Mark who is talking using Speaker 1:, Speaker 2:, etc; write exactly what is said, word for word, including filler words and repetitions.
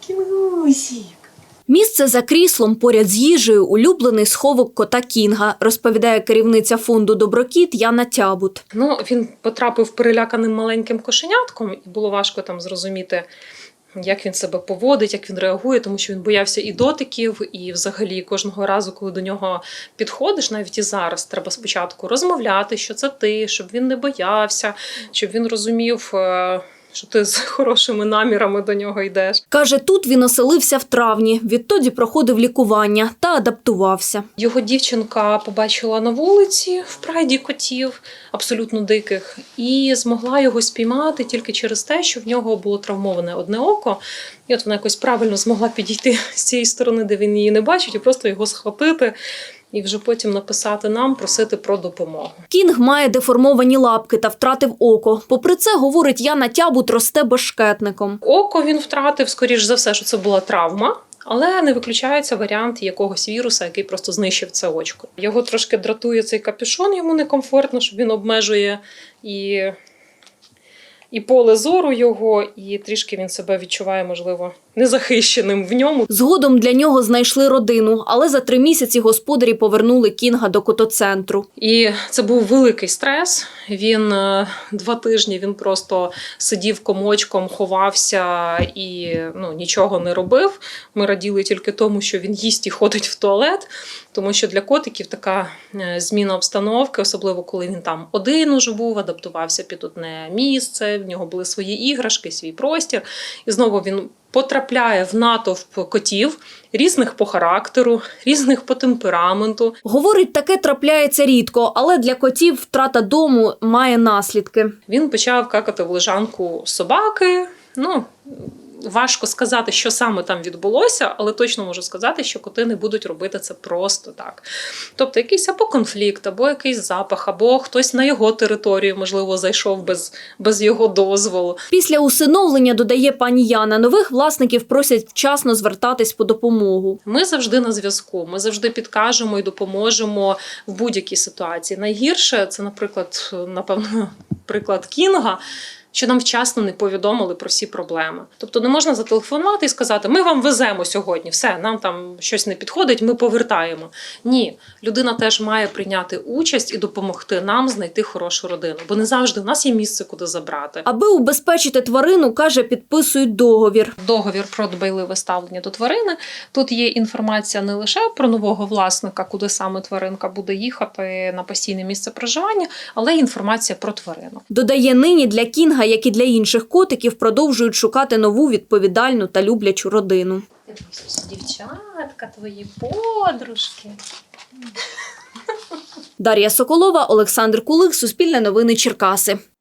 Speaker 1: Кінгусік.
Speaker 2: Місце за кріслом поряд з їжею – улюблений сховок кота Кінга, розповідає керівниця фонду «Доброкіт» Яна Тябут.
Speaker 1: Ну, він потрапив переляканим маленьким кошенятком, і було важко там зрозуміти, як він себе поводить, як він реагує, тому що він боявся і дотиків, і взагалі кожного разу, коли до нього підходиш, навіть і зараз, треба спочатку розмовляти, що це ти, щоб він не боявся, щоб він розумів, що ти з хорошими намірами до нього йдеш.
Speaker 2: Каже, тут він оселився в травні, відтоді проходив лікування та адаптувався.
Speaker 1: Його дівчинка побачила на вулиці в прайді котів, абсолютно диких, і змогла його спіймати тільки через те, що в нього було травмоване одне око. І от вона якось правильно змогла підійти з цієї сторони, де він її не бачить, і просто його схопити. І вже потім написати нам, просити про допомогу.
Speaker 2: Кінг має деформовані лапки та втратив око. Попри це, говорить Яна Тябут, росте бешкетником.
Speaker 1: Око він втратив, скоріш за все, що це була травма. Але не виключається варіант якогось віруса, який просто знищив це очко. Його трошки дратує цей капюшон, йому некомфортно, що він обмежує і... і поле зору його, і трішки він себе відчуває, можливо, незахищеним в ньому.
Speaker 2: Згодом для нього знайшли родину, але за три місяці господарі повернули Кінга до котоцентру.
Speaker 1: І це був великий стрес. Він два тижні він просто сидів комочком, ховався і ну, нічого не робив. Ми раділи тільки тому, що він їсть і ходить в туалет, тому що для котиків така зміна обстановки, особливо коли він там один уже був, адаптувався під одне місце, в нього були свої іграшки, свій простір. І знову він потрапляє в натовп котів, різних по характеру, різних по темпераменту.
Speaker 2: Говорить, таке трапляється рідко, але для котів втрата дому має наслідки.
Speaker 1: Він почав какати в лежанку собаки. Ну, важко сказати, що саме там відбулося, але точно можу сказати, що коти не будуть робити це просто так. Тобто якийсь або конфлікт, або якийсь запах, або хтось на його територію, можливо, зайшов без, без його дозволу.
Speaker 2: Після усиновлення, додає пані Яна, нових власників просять вчасно звертатись по допомогу.
Speaker 1: Ми завжди на зв'язку, ми завжди підкажемо і допоможемо в будь-якій ситуації. Найгірше – це, наприклад, напевно, приклад Кінга, що нам вчасно не повідомили про всі проблеми. Тобто не можна зателефонувати і сказати, ми вам веземо сьогодні, все, нам там щось не підходить, ми повертаємо. Ні, людина теж має прийняти участь і допомогти нам знайти хорошу родину, бо не завжди у нас є місце, куди забрати.
Speaker 2: Аби убезпечити тварину, каже, підписують договір.
Speaker 1: Договір про дбайливе ставлення до тварини. Тут є інформація не лише про нового власника, куди саме тваринка буде їхати на постійне місце проживання, але й інформація про тварину.
Speaker 2: Додає, нині для Кінга, як і для інших котиків, продовжують шукати нову відповідальну та люблячу родину.
Speaker 1: Дівчатка, твої подружки.
Speaker 2: Дар'я Соколова, Олександр Кулик, Суспільне новини Черкаси.